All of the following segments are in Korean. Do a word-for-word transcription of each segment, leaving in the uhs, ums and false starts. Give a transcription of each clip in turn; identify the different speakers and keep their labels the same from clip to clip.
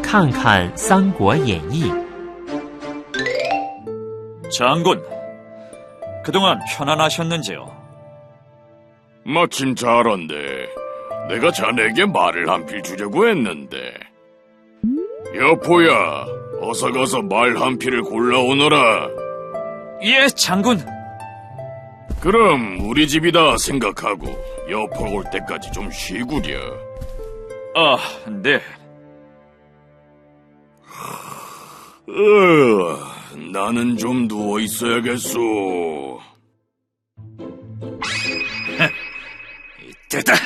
Speaker 1: 看看《三国演义》。
Speaker 2: 장군, 그동안 편안하셨는지요?
Speaker 3: 마침 잘 왔네. 내가 자네에게 말을 한 필 주려고 했는데. 여포야, 어서 가서 말 한 필을 골라오너라.
Speaker 2: 예, 장군.
Speaker 3: 그럼 우리 집이다 생각하고 여포가 올 때까지 좀 쉬구려.
Speaker 2: 아, 네.
Speaker 3: 으, 나는 좀 누워 있어야겠소.
Speaker 2: 이때다.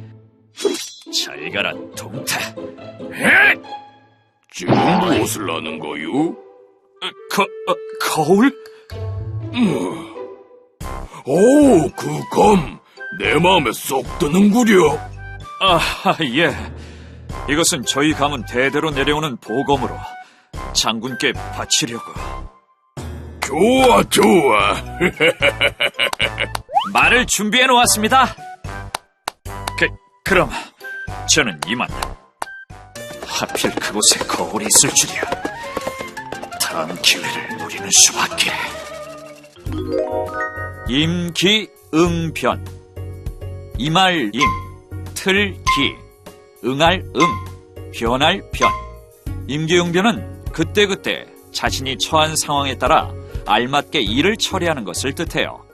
Speaker 2: 잘 가라, 동타.
Speaker 3: 에? 지금 무엇을 하는 거유?
Speaker 2: 거, 어, 거울?
Speaker 3: 음. 오, 그 검, 내 마음에 쏙 드는구려.
Speaker 2: 아, 예. 이것은 저희 가문 대대로 내려오는 보검으로 장군께 바치려고.
Speaker 3: 좋아, 좋아.
Speaker 2: 말을 준비해 놓았습니다. 그, 그럼 저는 이만. 하필 그곳에 거울이 있을 줄이야. 다음 기회를 노리는 수밖에. 임기응변. 임할 임, 틀 기, 응할 응, 변할 변. 임기응변은 그때그때 자신이 처한 상황에 따라 알맞게 일을 처리하는 것을 뜻해요.